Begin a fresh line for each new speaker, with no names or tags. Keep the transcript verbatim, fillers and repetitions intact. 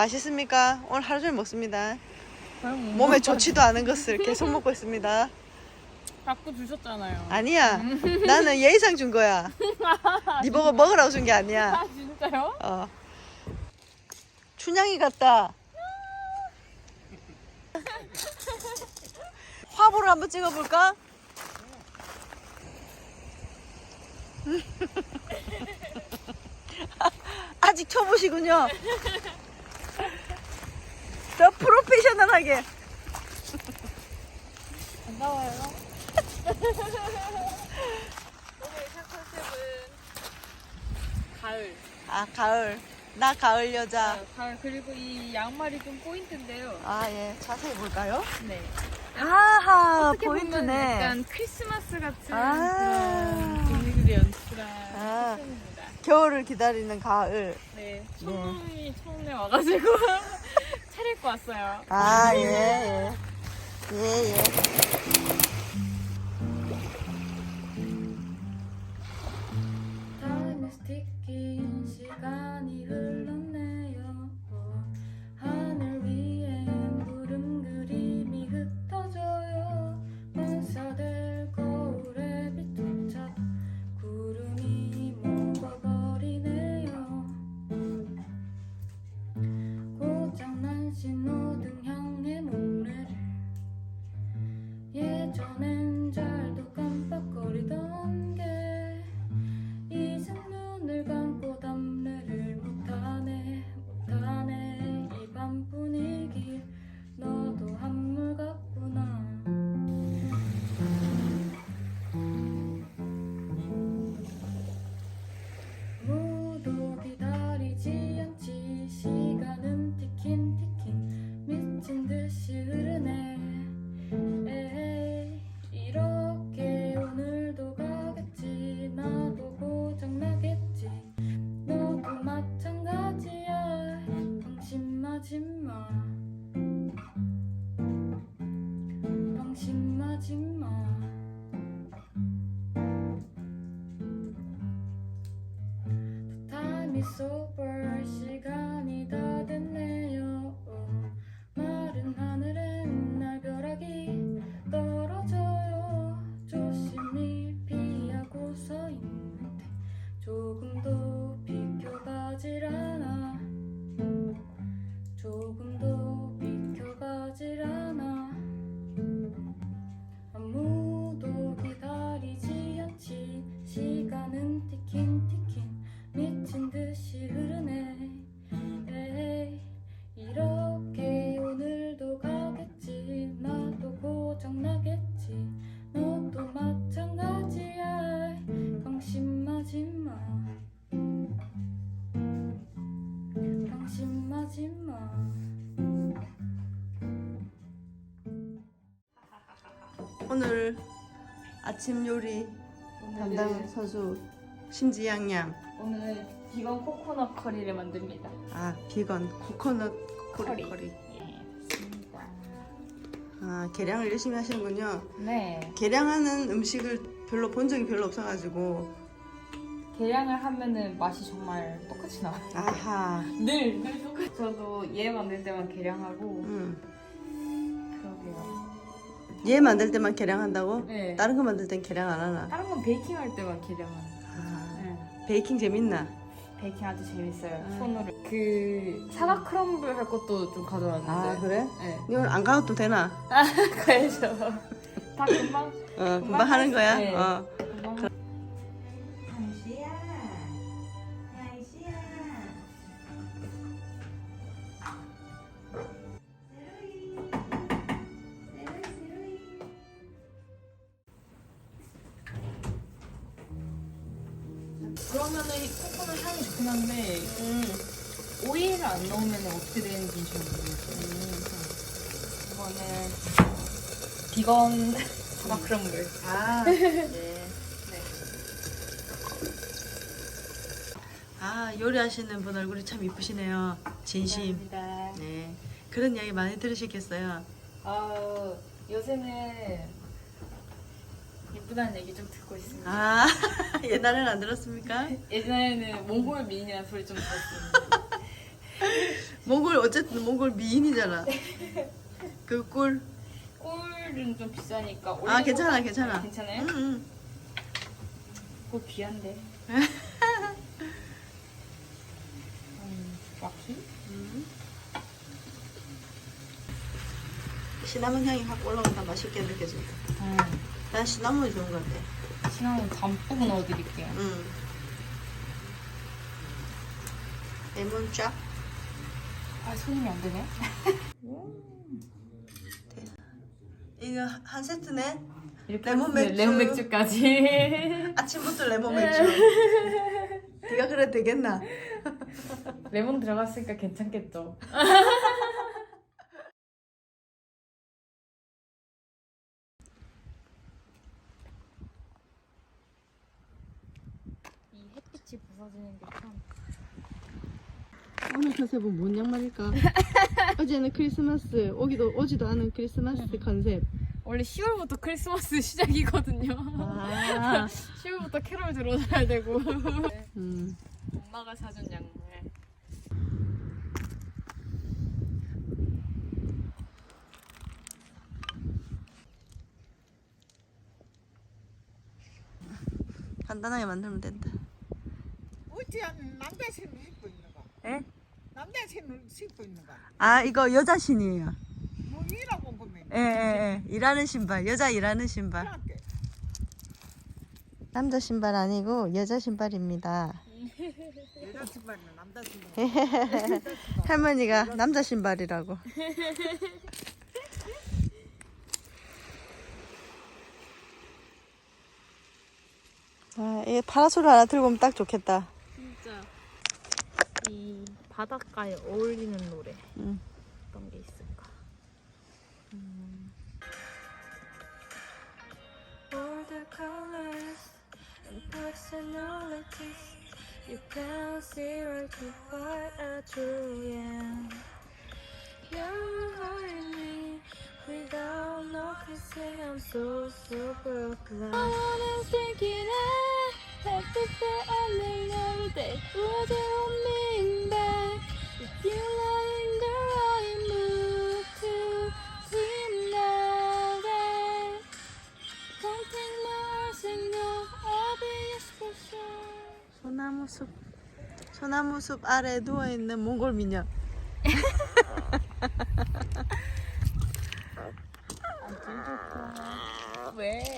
맛있습니까? 오늘 하루 종일 먹습니다.
그럼
몸에 좋지도 않은 것을 계속 먹고 있습니다.
갖고 주셨잖아요.
아니야. 나는 예의상 준 거야. 네 보고 먹으라고 준 게 아니야.
아 진짜요?
어. 춘향이 같다. 화보를 한번 찍어볼까? 아직 초보시군요. 더 프로페셔널하게.
반가워요. 오늘 샷 컨셉은 가을.
아, 가을. 나 가을 여자.
아, 가을 그리고 이 양말이 좀 포인트인데요.
아, 예. 자세히 볼까요?
네.
아하,
어떻게 보면
포인트네.
약간 크리스마스 같은
아.
그런 분위기를 연출한
아.
패션입니다.
겨울을 기다리는 가을.
네. 첫눈이 처음에 와가지고 차려입고 왔어요.
아, 예, 예. 예, 예.
Time is ticking, 시간이 흘렀네요. 하늘 위엔 구름 그림이 흩어져요. 반사될 거울에 비춰 구름이 먹어버리네요. 고장난 신호등 향해 목례를 예전엔 잘도 깜빡거리던 게 이젠 눈을 감고 담례를 못하네 못하네. 이 밤 분위기 너도 한물 같구나. 아무도 기다리지 않지. 시간은 티킨 티킨 미친 듯이 흐르네. 에이, 이렇게 오늘도 가겠지. 나도 고장나겠지. 너도 마찬가지야. 방심하지마 방심하지마. The time is over. 시간이 다 됐네요. 마른 하늘엔 날벼락이 떨어져요. 조심히 피하고 서 있는데 조금도 비켜가질 않아. 조금도 비켜가질 않아. 아무도 기다리지 않지. 시간은 티킨 티킨 미친 듯이 흐르네. 에이, 이렇게 오늘도 가겠지. 나도 고장나겠지. 너도 마찬가지야. 방심하지마 방심하지마.
오늘 아침 요리 담당 선수 심지양양.
오늘 비건 코코넛 커리를 만듭니다.
아, 비건 코코넛 커리.
커리.
커리.
예, 맞습니다.
아, 계량을 열심히 하시는군요.
네.
계량하는 음식을 별로 본 적이 별로 없어가지고.
계량을 하면은 맛이 정말 똑같이 나와요.
아하.
늘, 늘 똑같이. 저도 얘 만들 때만 계량하고
음.
그러게요.
얘 만들 때만 계량한다고?
네.
다른 거 만들 땐 계량 안 하나?
다른 건 베이킹 할 때만 계량하는.
아,
네.
베이킹 재밌나?
베이킹 아주 재밌어요.
아.
손으로. 그 사과 크럼블 할 것도 좀 가져왔는데.
아, 그래?
네.
이건 안 가도 되나?
가야죠. 다 금방.
어, 금방 하는 거야?
네.
어.
금방.
한시야 한시야. 세로이 세로이 세로이.
그러면은 이 코코넛 향이 좋긴 한데
음.
오일을 안 넣으면 어떻게 되는지 잘 모르겠어요. 이거는 비건 사과 크럼블.
아, 네.
네.
아, 요리하시는 분 얼굴이 참 이쁘시네요. 진심.
감사합니다.
네. 그런 이야기 많이 들으시겠어요.
아 요새는 예쁘다는 얘기 좀 듣고 있습니다.
아, 옛날에는 안 들었습니까?
예전에는 몽골 미인이라는 소리 좀 들었습니다.
몽골 어쨌든 몽골 미인이잖아. 그 꿀.
꿀은 좀 비싸니까.
아
올리브
괜찮아
오일
괜찮아.
괜찮아요?
응, 응.
꿀 귀한데. 음, 와키?
음. 시나몬 향이 확 올라온다. 맛있게 느껴진다.
음.
난 시나몬이 좋은 것 같아.
시나몬 담뿍 넣어드릴게요.
응. 레몬 쫙.
아, 손님이 안 되네.
이거 한 세트네.
이렇게
레몬
네,
맥주.
레몬 맥주까지.
아침부터 레몬 맥주. 네가 그래 되겠나?
레몬 들어갔으니까 괜찮겠죠. 이 햇빛이 부서지는 게 참.
오늘 컨셉은 뭔 양말일까? 어제는 크리스마스 오기도 오지도 않은 크리스마스 컨셉.
원래 시월부터 크리스마스 시작이거든요.
아.
시월부터 캐롤 들어줘야 되고.
음.
엄마가 사준 양말.
간단하게 만들면 된다.
어찌한 남자 신을 신고 있는 거?
에?
남자 신을 신고 있는 거?
아 이거 여자 신이에요.
뭐 일하고 보면
예, 예, 예. 일하는 신발. 여자 일하는 신발.
이렇게
남자 신발 아니고 여자 신발입니다.
여자 신발이나 남자 신발.
할머니가 남자 신발이라고. 아, 이 파라솔 하나 들고 오면 딱 좋겠다.
진짜 이 바닷가에 어울리는 노래.
응.
어떤 게 있을까?
All the colors and personalities you can see right to what I truly am. You're hurting me without noticing. I'm so super blind. I wanna take it out. Have to say I may never day. Would you want me back? If you lie in the right mood to dream now that. Don't take my eyes and go. I'll be your special.
소나무 숲. 소나무 숲 아래 누워 있는 몽골 미녀.
왜?